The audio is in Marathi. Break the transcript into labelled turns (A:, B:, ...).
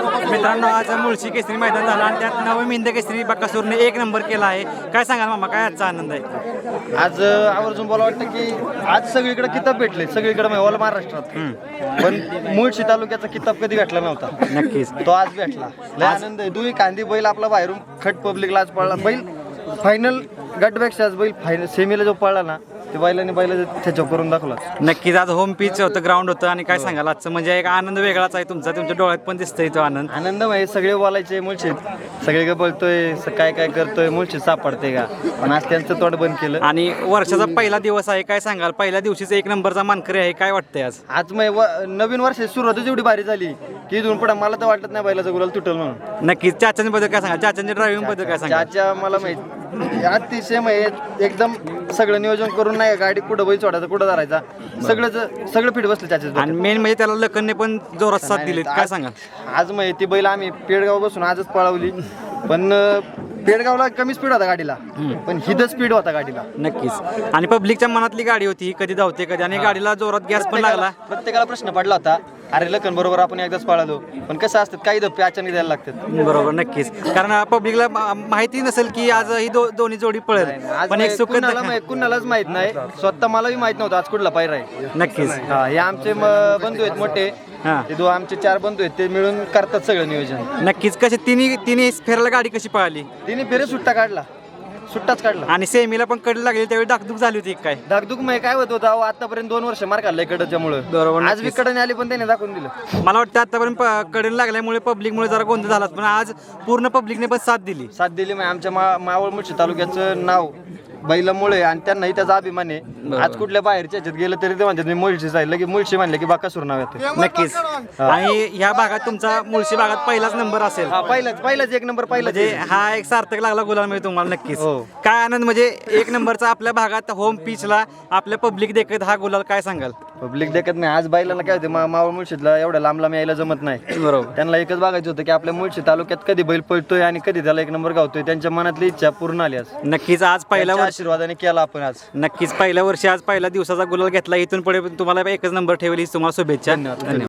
A: मित्रांनो आज मुळशी केसरी मैदान झालं आणि त्यात नवमिंद केसरी बकासूरने 1 नंबर केला आहे. काय सांगाल मामा, काय आजचा आनंद आहे?
B: आज आवर्जून बोला वाटतं की आज सगळीकडे किताब भेटले, सगळीकडे ऑल महाराष्ट्रात. पण मुळशी तालुक्याचा किताब कधी भेटला नव्हता.
A: नक्कीच
B: तो आज भेटला. लय आनंद आहे. दुई कांदी बैल आपला बाहेरून खट पब्लिकला आज पळला. बैल फायनल गटपेक्षा आज बैल फायनल सेमीला जो पळला ना, ते बैलाने त्याच्यावर करून दाखवला.
A: नक्कीच आज होम पिच होतं, ग्राउंड होतं आणि काय सांगाल आजचं म्हणजे एक आनंद वेगळाच आहे तुमचा, तुमच्या डोळ्यात पण दिसतोय तो आनंद.
B: म्हणजे सगळे बोलायचे मुळशीत, सगळे काय बोलतोय, काय काय करतोय, मुळशीत सापडते का, पण आज त्यांचं तोंड बंद केलं.
A: आणि वर्षाचा पहिला दिवस आहे, काय सांगाल पहिल्या दिवशीच 1 नंबरचा मानकरी आहे, काय वाटतंय आज?
B: आज नवीन वर्षाची सुरुवातच एवढी भारी झाली की इथून पुढे मला तर वाटत नाही बैलाचा गुलाल तुटल म्हणून.
A: नक्कीच चाचांबद्दल काय सांगा, चाचांच्या ड्रायव्हिंग बद्दल काय सांगा?
B: चाचा मला माहित अतिशय एकदम सगळं नियोजन करून नाही गाडी कुठं बैल सोडायचा कुठं धरायचा सगळं फिट बसलं त्याच्यात.
A: आणि मेन म्हणजे त्याला लखनने पण जोरात साथ दिली, काय सांगा?
B: आज ती बैल आम्ही पेडगाव बसून आजच पळवली, पण पेडगावला कमी स्पीड होता गाडीला, पण हिद स्पीड होता गाडीला.
A: नक्कीच. आणि पब्लिकच्या मनातली गाडी होती, कधी धावते कधी, आणि गाडीला जोरात गॅस पण लागला.
B: प्रत्येकाला प्रश्न पडला होता, अरे लखन बरोबर आपण एकदाच पळालो, पण कसं असतात काही धप्पे अचानक द्यायला लागतात.
A: बरोबर, नक्कीच. कारण पब्लिकला माहिती नसेल की आज ही दोन्ही जोडी पळेल, पण एक सुख
B: कुणालाच माहित नाही. स्वतः मलाही माहित नव्हतं आज कुठला पायरा आहे.
A: नक्कीच.
B: हे आमचे बंधू आहेत मोठे, ते आमचे 4 बंधू आहेत, ते मिळून करतात सगळं नियोजन.
A: नक्कीच. कशी तिन्ही फेराला गाडी कशी पळाली?
B: तिने फेरे सुट्टाच काढला.
A: आणि सेमीला पण कडे लागली, त्यावेळी डाकदुक झाली होती काय?
B: धाकधूक काय होत होता आतापर्यंत 2 वर्ष मार खाल्लाय कडच्यामुळे.
A: बरोबर,
B: आज बी कडने आली पण त्याने दाखवून दिलं.
A: मला वाटतं आतापर्यंत कडे लागल्यामुळे पब्लिकमुळे जरा गोंधळ झाला, पण आज पूर्ण पब्लिकने पण साथ दिली.
B: आमच्या मावळ मुळशी तालुक्याचं नाव बैलामुळे आणि त्यांनाही त्याचा अभिमान आहे. आज कुठल्या बाहेरच्या ह्याच्यात गेलं तरी ते म्हणतात मी मुळशी जाईल, की मुळशी म्हणले की बाकासूर नाव येतं.
A: नक्कीच. आणि ह्या भागात तुमचा मुळशी भागात पहिलाच नंबर असेल.
B: पहिलाच 1 नंबर पहिला.
A: म्हणजे हा एक सार्थक लागला गुलाल मिळतो तुम्हाला. नक्कीच. काय आनंद, म्हणजे 1 नंबरचा आपल्या भागात होम पिचला आपल्या पब्लिक देखत हा गुलाल, काय सांगाल?
B: पब्लिक देखत नाही. आज बैलांना काय होते, मावळ मुळशीतला एवढ्या लांब यायला जमत नाही.
A: बरोबर.
B: त्यांना एकच बघायचं होतं की आपल्या मुळशी तालुक्यात कधी बैल पळतोय आणि कधी त्याला 1 नंबर गावतोय. त्यांच्या मनातली इच्छा पूर्ण आली आज.
A: नक्कीच. आज पहिल्या
B: आशीर्वादाने केला आपण आज.
A: नक्कीच पहिल्या वर्षी आज पहिल्या दिवसाचा गुलाल घेतला. इथून पुढे तुम्हाला एकच नंबर ठेवली. तुम्हाला शुभेच्छा.
B: धन्यवाद.